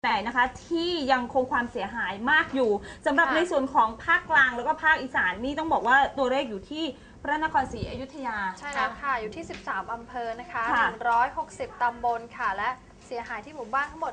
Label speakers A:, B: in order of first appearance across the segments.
A: แต่นะคะที่ยังคงความเสียหายมากอยู่สำหรับในส่วนของภาคกลางแล้วก็ภาคอีสานนี่ต้องบอกว่าตัวเลขอยู่ที่พระนครศรีอยุธยา
B: ใช่แล้วค่ะอยู่ที่13อำเภอนะคะ160ตำบลค่ะและเสียหายที่หมู่บ้านทั้งหมด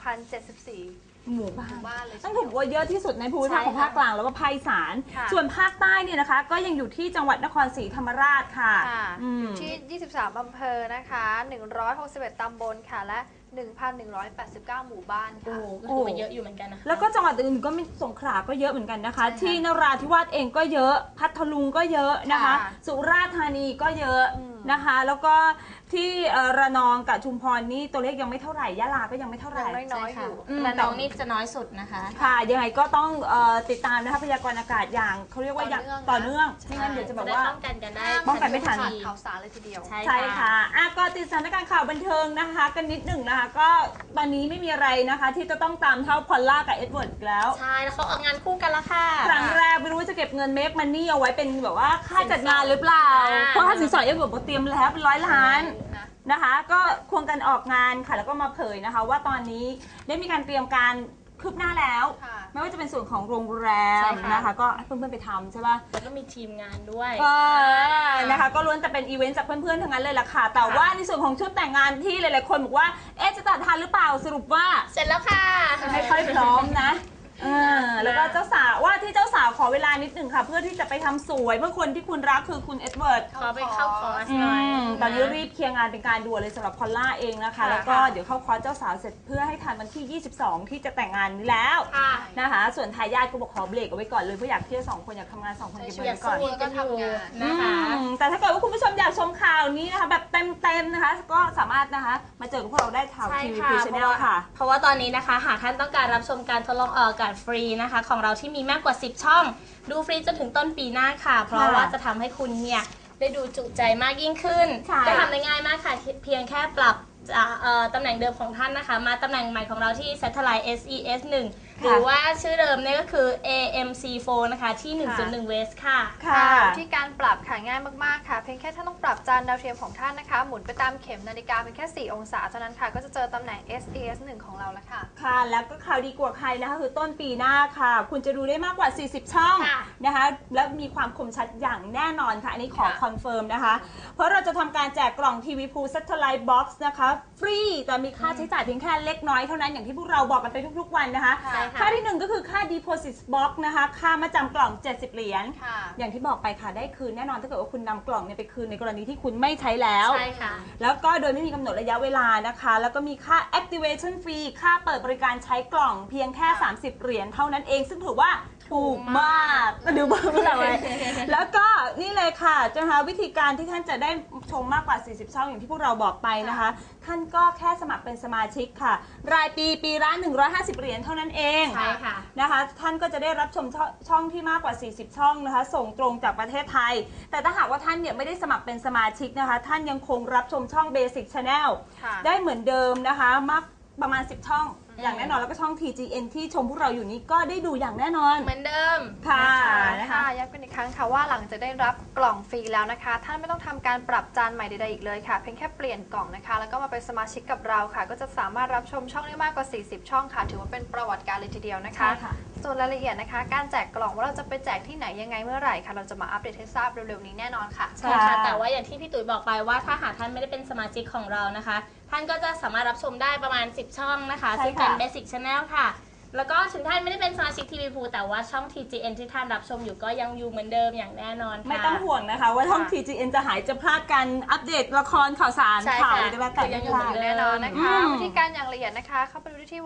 B: 1,074
A: หมู่บ้าน
B: เลย
A: ต้องถูกว่าเยอะที่สุดในภูมิภาคของภาคกลางแล้วก็ภาคอีสานส่วนภาคใต้เนี่ยนะคะก็ยังอยู่ที่จังหวัดนครศรีธรรมราชค่ะ
B: อยู่ที่23อำเภอนะคะ161ตำบลค่ะและ1,189 หมู่บ้านค่ะ
C: ก็คือมันเยอะอยู่เหมือนกันนะคะ
A: แล้วก็จังหวัดอื่นก็มีสงขลาก็เยอะเหมือนกันนะคะที่นราธิวาสเองก็เยอะพัทลุงก็เยอะนะคะสุราษฎร์ธานีก็เยอะนะคะแล้วก็ที่ระนองกับชุมพรนี่ตัวเลขยังไม่เท่าไหร่ยะลาก็ยังไม่เท่าไหร่
B: น้อยอยู่
C: ระนองนี่จะน้อยสุดนะคะ
A: ค่ะยังไงก็ต้องติดตามนะคะพยากรณ์อากาศอย่างเขาเรียกว่าอย่างต่อเนื่องไม่งั้นเดี๋ยวจะแบบว่า
C: ป้องกันได้
A: ป้องกันไม่ทัน
B: ข่าวสารเลยทีเดียว
A: ใช่ค่ะก็ติดสถานการณ์ข่าวบันเทิงนะคะกันนิดหนึ่งนะคะก็ตอนนี้ไม่มีอะไรนะคะที่จะต้องตามเท่าพอลล่ากับเอ็ดเวิร์ดแล้ว
C: ใช่แล้วเขาออกงานคู่กันแล้วค่ะ
A: ครั้งแรกไม่รู้ว่าจะเก็บเงินเมคมันนี่เอาไว้เป็นแบบว่าค่าจัดงานหรือเปล่าเพราะค่าสินสอดเอ็ดเวิร์ดเตรียมแล้วเป็น100 ล้านนะคะก็ควงกันออกงานค่ะแล้วก็มาเผยนะคะว่าตอนนี้ได้มีการเตรียมการคืบหน้าแล้วไม่ว่าจะเป็นส่วนของโรงแรมนะคะก็เพื่อนๆไปทำใช่ป่ะ
C: แล้วก็มีทีมงานด้วย
A: นะคะก็ล้วนแต่เป็นอีเวนต์จากเพื่อนๆทั้งนั้นเลยล่ะค่ะแต่ว่าในส่วนของชุดแต่งงานที่หลายๆคนบอกว่าจะตัดทันหรือเปล่าสรุปว่า
C: เสร็จแล้วค่ะ
A: ไม่ค่อยพร้อมนะแล้วก็เจ้าสาวว่าที่เจ้าสาวขอเวลานิดหนึ่งค่ะเพื่อที่จะไปทำสวยเพื่อคนที่คุณรักคือคุณเอ็ดเวิร์ด
C: ขอไปเข้าคอร์สหน่อย
A: ตอนนี้รีบเคลียร์งานเป็นการด่วนเลยสำหรับพอลล่าเองนะคะแล้วก็เดี๋ยวเข้าคอร์สเจ้าสาวเสร็จเพื่อให้ทันวันที่22ที่จะแต่งงานนี้แล้วนะคะส่วนทายาทก็บอกขอเบรกเอาไว้ก่อนเลยเพราะอยากเที่ยว2 คนอยากทำงาน2 คนเก็บเงินก่อน
B: ก็ทำงาน
A: นะคะแต่ถ้าเกิดว่าคุณผู้ชมอยากชมข่าวนี้นะคะแบบเต็มๆนะคะก็สามารถนะคะมาเจอกับพวกเราได้ทางทีวีพีชแนลค่ะ
C: เพราะว่าตอนนี้นะคะหากท่านต้องการรับชมการทดลองออกอากาศฟรีนะคะของเราที่มีมากกว่า10ช่องดูฟรีจนถึงต้นปีหน้าค่ะเพราะว่าจะทำให้คุณเนี่ยได้ดูจุใจมากยิ่งขึ้นก็ทำได้ง่ายมากค่ะเพียงแค่ปรับตำแหน่งเดิมของท่านนะคะมาตำแหน่งใหม่ของเราที่ Satellite SES 1หรือว่าชื่อเดิมเนี่ยก็คือ AMC4 นะคะที่101 West ค่ะ
B: ที่การปรับค่ะง่ายมากๆค่ะเพียงแค่ท่านต้องปรับจานดาวเทียมของท่านนะคะหมุนไปตามเข็มนาฬิกาเพียงแค่4 องศาเท่านั้นค่ะก็จะเจอตำแหน่ง SES 1ของเราแล้วค่ะ
A: ค่ะแล้วก็ข่าวดีกว่าใครนะคะคือต้นปีหน้าค่ะคุณจะดูได้มากกว่า40ช่องนะคะและมีความคมชัดอย่างแน่นอนค่ะอันนี้ขอคอนเฟิร์มนะคะเพราะเราจะทำการแจกกล่องทีวีพูล Satellite Box นะคะฟรีแต่มีค่าใช้จ่ายเพียงแค่เล็กน้อยเท่านั้นอย่างที่พวกเราบอกกันไปทุกๆวันนะคะค่าที่1ก็คือค่า Deposit Box นะคะค่ามาจำกล่อง70 เหรียญอย่างที่บอกไปค่ะได้คืนแน่นอนถ้าเกิดว่าคุณนำกล่องเนี่ยไปคืนในกรณีที่คุณไม่ใช้แล้ว
C: ใช่ค่ะ
A: แล้วก็โดยไม่มีกำหนดระยะเวลานะคะแล้วก็มีค่า Activation Fee ค่าเปิดบริการใช้กล่องเพียงแค่30 เหรียญเท่านั้นเองซึ่งถือว่าถูกมากดูบ้างอะไรแล้วก็นี่เลยค่ะนะคะวิธีการที่ท่านจะได้ชมมากกว่า40ช่องอย่างที่พวกเราบอกไปนะคะท่านก็แค่สมัครเป็นสมาชิกค่ะรายปีละ150 เหรียญเท่านั้นเอง
C: ใช่ค่ะ
A: นะคะท่านก็จะได้รับชมช่องที่มากกว่า40ช่องนะคะส่งตรงจากประเทศไทยแต่ถ้าหากว่าท่านเนี่ยไม่ได้สมัครเป็นสมาชิกนะคะท่านยังคงรับชมช่อง Basic Channel ได้เหมือนเดิมนะคะมากประมาณ10 ช่องอย่างแน่นอนแล้วก็ช่อง TGN ที่ชมพวกเราอยู่นี้ก็ได้ดูอย่างแน่นอน
C: เหมือนเดิม
A: ค่ะ
B: นะคะย้ำกันอีกครั้งค่ะว่าหลังจากได้รับกล่องฟรีแล้วนะคะท่านไม่ต้องทำการปรับจานใหม่ใดๆอีกเลยค่ะเพียงแค่เปลี่ยนกล่องนะคะแล้วก็มาเป็นสมาชิกกับเราค่ะก็จะสามารถรับชมช่องได้มากกว่า40ช่องค่ะถือว่าเป็นประวัติการเลยทีเดียวนะคะส่วนรายละเอียดนะคะการแจกกล่องว่าเราจะไปแจกที่ไหนยังไงเมื่อไหร่ค่ะเราจะมาอัปเดตให้ทราบเร็วๆนี้แน่นอนค่ะ
C: ใช่ค่ะแต่ว่าอย่างที่พี่ตุ๋ยบอกไปว่าถ้าหากท่านไม่ได้เป็นสมาชิกของเรานะคะท่านก็จะสามารถรับชมได้ประมาณ10ช่องนะคะซึ่งเป็น Basic Channel ค่ะแล้วก็ถึงท่านไม่ได้เป็นสมาชิกทีวีพูแต่ว่าช่อง TGN ที่ท่านรับชมอยู่ก็ยังอยู่เหมือนเดิมอย่างแน่นอนค่ะ
A: ไม่ต้องห่วงนะคะว่าช่อง TGN จะหายจะพลาดการอัปเดตละครข่าวสารข่าวอะไรก็แล้วแต่
B: ยังอยู่เหมือนแน่นอนนะคะวิธีการอย่างละเอียดนะคะเข้าไปดูที่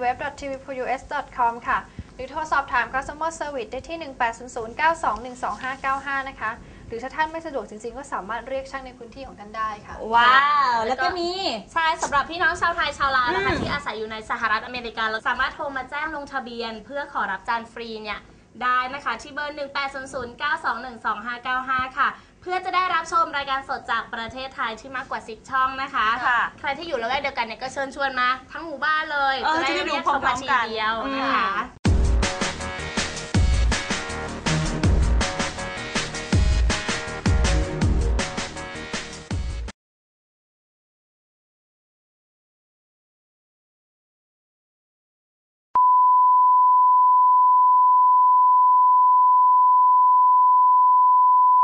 B: www.tvpus.com ค่ะหรือโทรสอบถาม customer service ได้ที่ 180092125595 นะคะหรือถ้าท่านไม่สะดวกจริงๆก็สามารถเรียกช่างในพื้นที่ของท่านได้ค่ะ
A: ว้าวแล้วก็มี
C: ใช่สำหรับพี่น้องชาวไทยชาวลาวนะคะที่อาศัยอยู่ในสหรัฐอเมริกาเราสามารถโทรมาแจ้งลงทะเบียนเพื่อขอรับจานฟรีเนี่ยได้นะคะที่เบอร์ 180092125595 ค่ะเพื่อจะได้รับชมรายการสดจากประเทศไทยที่มากกว่า10ช่องนะคะใครที่อยู่ละแวกเดียวกันเนี่ยก็เชิญชวนมาทั้งหมู่บ้านเลยจะได้เรียกชมมาทีเดียวนะคะ